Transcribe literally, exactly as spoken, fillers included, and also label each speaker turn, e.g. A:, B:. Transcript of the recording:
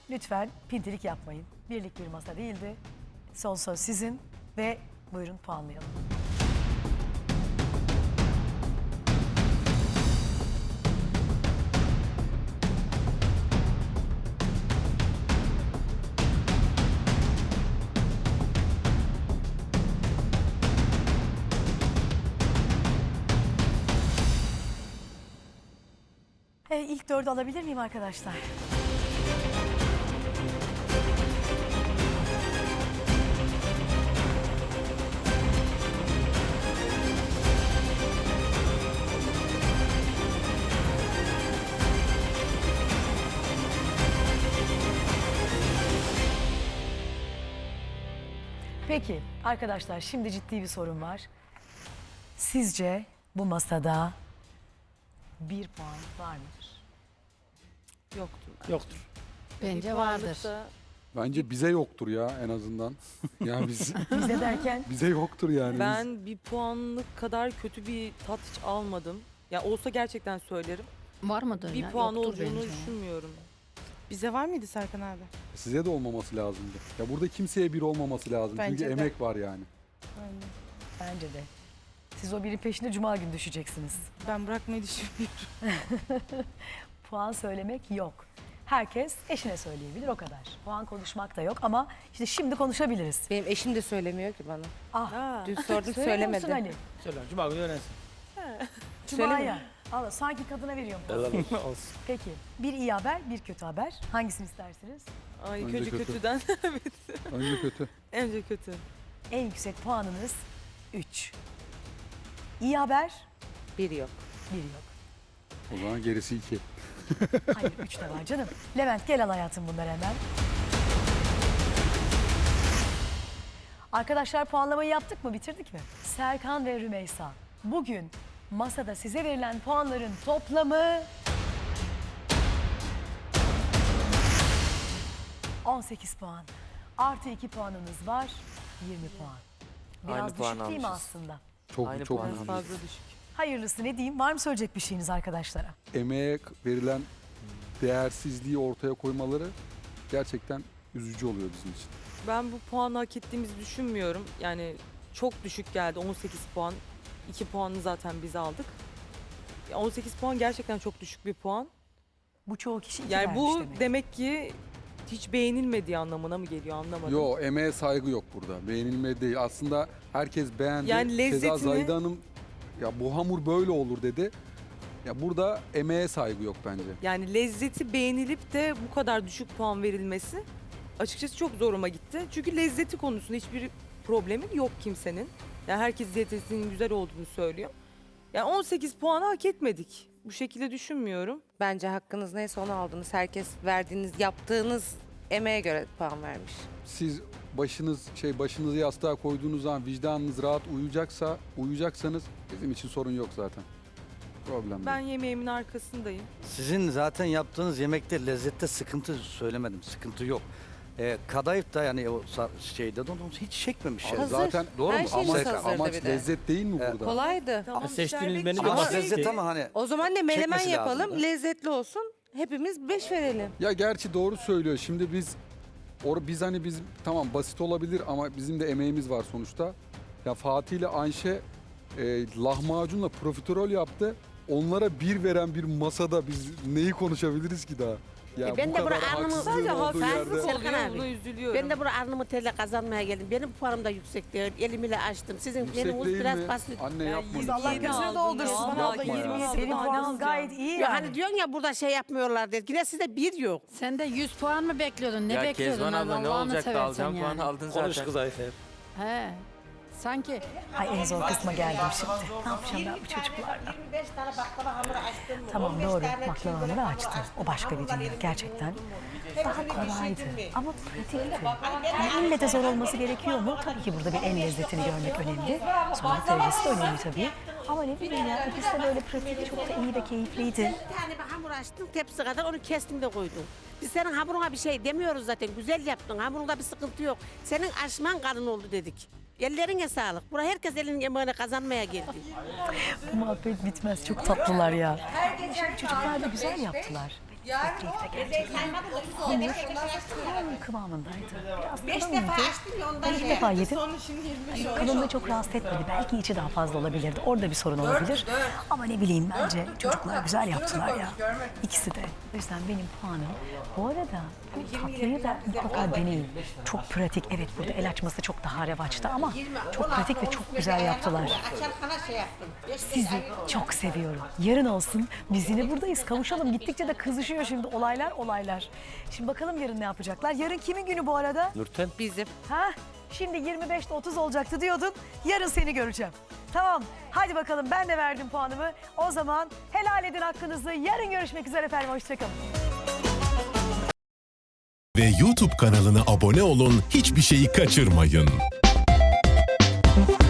A: lütfen pintilik yapmayın. Birlik bir masa değildi. Son söz sizin ve buyurun puanlayalım. E, ilk dördü alabilir miyim arkadaşlar? Peki arkadaşlar, şimdi ciddi bir sorun var. Sizce bu masada bir puan var mıdır?
B: Yoktur.
C: Yoktur.
D: Bence vardır.
E: Bence bize yoktur ya en azından. Yani biz,
A: Bize derken
E: bize yoktur yani. Biz-
B: Ben bir puanlık kadar kötü bir tat hiç almadım. Ya olsa gerçekten söylerim.
D: Var mıdır
B: Bir
D: ya?
B: puan
D: Yoktur
B: olduğunu
D: bence.
B: düşünmüyorum.
C: Bize var mıydı Serkan abi?
E: Size de olmaması lazımdı. Ya burada kimseye bir olmaması lazım.
C: Bence
E: Çünkü
C: de.
E: emek var yani.
C: Aynen.
A: bence de. Siz o birin peşinde cuma günü düşeceksiniz.
C: Ben bırakmayı düşünmüyorum.
A: Puan söylemek yok. Herkes eşine söyleyebilir, o kadar. Puan konuşmak da yok ama işte şimdi konuşabiliriz.
F: Benim eşim de söylemiyor ki bana.
A: Ah,
B: Ha.
F: Dün sordum
A: söylemiyor musun
F: söylemedi.
A: Ali?
C: Söyle, cuma günü öğrensin.
A: Cuma'ya. Allah, sanki kadına veriyorum.
C: Olsun.
A: Peki, bir iyi haber, bir kötü haber. Hangisini istersiniz?
B: Ay
E: Önce
B: kötü
E: kötü.
B: kötüden.
E: Önce kötü.
B: Önce kötü.
A: En yüksek puanınız üç. İyi haber,
F: Bir yok.
A: bir yok.
E: O zaman gerisi iki.
A: Hayır, üç de var canım. Levent, gel al hayatım bunları hemen. Arkadaşlar, puanlamayı yaptık mı, bitirdik mi? Serkan ve Rümeysa, bugün masada size verilen puanların toplamı on sekiz puan. Artı iki puanınız var, yirmi puan. Biraz
G: Aynı
A: düşük
G: puan
A: değil mi
G: almışız.
A: aslında?
E: Çok
G: Aynı
E: çok
G: puan
E: üzücü.
B: Fazla düşük.
A: Hayırlısı ne diyeyim? Var mı söyleyecek bir şeyiniz arkadaşlara?
E: Emeğe verilen değersizliği ortaya koymaları gerçekten üzücü oluyor bizim için.
B: Ben bu puanı hak ettiğimizi düşünmüyorum. Yani çok düşük geldi, on sekiz puan. iki puanını zaten biz aldık. Ya on sekiz puan gerçekten çok düşük bir puan.
A: Bu çoğu kişi iki
B: Yani
A: vermiş
B: bu
A: demek.
B: demek ki hiç beğenilmediği anlamına mı geliyor, anlamadım.
E: Yo, emeğe saygı yok burada. Beğenilme değil. Aslında herkes beğendi.
B: Yani
E: Keza
B: lezzetini-
E: Zahide Hanım ya bu hamur böyle olur dedi. Ya burada emeğe saygı yok bence.
B: Yani lezzeti beğenilip de bu kadar düşük puan verilmesi açıkçası çok zoruma gitti. Çünkü lezzeti konusunda hiçbir problemi yok kimsenin. Yani herkes lezzetinin güzel olduğunu söylüyor. Yani on sekiz puanı hak etmedik. Bu şekilde düşünmüyorum.
F: Bence hakkınız neyse onu aldınız. Herkes verdiğiniz, yaptığınız emeğe göre puan vermiş.
E: Siz başınız şey başınızı yastığa koyduğunuz zaman vicdanınız rahat uyuyacaksa uyuyacaksanız bizim için sorun yok zaten. Problem
B: Ben
E: değil.
B: yemeğimin arkasındayım.
H: Sizin zaten yaptığınız yemekte lezzette sıkıntı söylemedim. Sıkıntı yok. Ee, kadayıf da yani o sa- şeyde de onu hiç çekmemiş. yani.
F: Hazır.
E: Zaten
F: Doğru
E: Her
F: mu?
E: şeyimiz
F: Amaç-
E: hazırdı
F: amaç
E: bir de.
F: de.
E: lezzet değil mi
H: Evet.
E: burada?
F: Kolaydı.
B: Tamam,
C: seçtiğiniz
B: şerbet-
C: menü
H: Ama
C: Ama
H: lezzet ama hani
F: O zaman ne menemen
H: Çekmesi
F: yapalım,
H: lazım.
F: lezzetli olsun. Hepimiz beş verelim.
E: Ya gerçi doğru söylüyor. Şimdi biz or biz hani biz tamam basit olabilir ama bizim de emeğimiz var sonuçta. Ya Fatih ile Ayşe e, lahmacunla profiterol yaptı. Onlara bir veren bir masada biz neyi konuşabiliriz ki daha? Ya
I: E ben
E: bu
I: de
E: kadar
I: buraya alnımı-
E: haksızlığın
B: Sadece
E: olduğu
B: haksızlık
E: yerde.
I: Serkan
B: oluyor,
I: abi,
B: buna üzülüyorum.
I: Ben de buraya alnımı telle kazanmaya geldim. Benim puanım da yüksek değil. Elimi açtım. Sizin
E: Yüksek
I: menünüz
E: değil
I: biraz
E: mi?
I: basit.
E: Anne
B: Ya
E: yapma.
B: yirmi
E: lütfen.
A: Allah
B: yedi
A: gözünü
B: aldın
A: doldursun.
B: ya.
A: Bana
E: Yapma
A: da
E: ya.
A: yirmi
B: Yapma.
A: Senin puanın
B: Yapma.
A: gayet iyi
I: Ya
A: yani.
I: hani diyorsun ya burada şey yapmıyorlar diye. Yine sizde bir yok.
D: Sen de yüz puan mı bekliyordun? Ne
G: ya
D: bekliyordun?
G: Kezban abla ne
D: Allah'ını
G: olacak da
D: seversen
G: alacağım puan
D: yani.
G: aldın
C: Konuş
G: zaten.
C: kız Ayfer.
D: He. Sanki
A: Ay, en zor kısma geldim şimdi. Ne yapacağım ben bu çocuklarla?
I: yirmi beş tane baklava hamuru açtım.
A: Tamam doğru, baklava hamuru açtım. O başka bir dünya gerçekten. Daha kolaydı ama pratikti. Yani ille de zor olması gerekiyor mu? Tabii ki burada bir el lezzetini görmek önemli. Sonra derecesi de önemli tabii. Ama ne bileyim ya, ikisi de böyle pratik, çok da iyi ve keyifliydi.
I: Bir tane bir hamur açtım tepsi kadar onu kestim de koydum. Biz senin hamuruna bir şey demiyoruz zaten. Güzel yaptın. Hamurunda bir sıkıntı yok. Senin açman kalın oldu dedik. Ellerine sağlık. Buraya herkes elinin yemeğini kazanmaya geldi.
A: Bu muhabbet bitmez, çok tatlılar ya. Şimdi çocuklar da güzel yaptılar. Keyifle gerçekten. Tam kıvamındaydı. Biraz
I: Beş
A: kalın
I: defa
A: mıydı?
I: açtım ya
A: Ben
I: ondan
A: ilk
I: şey.
A: defa yedim. Hani kalınlığı çok rahatsız etmedi. Belki içi daha fazla olabilirdi. Orada bir sorun olabilir. Ama ne bileyim bence çocuklar güzel yaptılar ya. İkisi de. O yüzden benim puanım. Bu arada bu tatlıyı da mutlaka deneyin. Çok pratik. Evet burada el açması çok daha revaçta ama çok pratik ve çok güzel yaptılar.
I: Açarkana şey yaptım.
A: Sizi çok seviyorum. Yarın olsun biz yine buradayız. Kavuşalım. Gittikçe de kızışıyor şimdi olaylar olaylar. Şimdi bakalım yarın ne yapacaklar. Yarın kimin günü bu arada?
H: Nurten.
F: Bizim.
A: Ha? Şimdi yirmi beşte otuz olacaktı diyordun. Yarın seni göreceğim. Tamam. Hadi bakalım ben de verdim puanımı. O zaman helal edin hakkınızı. Yarın görüşmek üzere efendim. Hoşçakalın.
G: Ve YouTube kanalına abone olun, hiçbir şeyi kaçırmayın.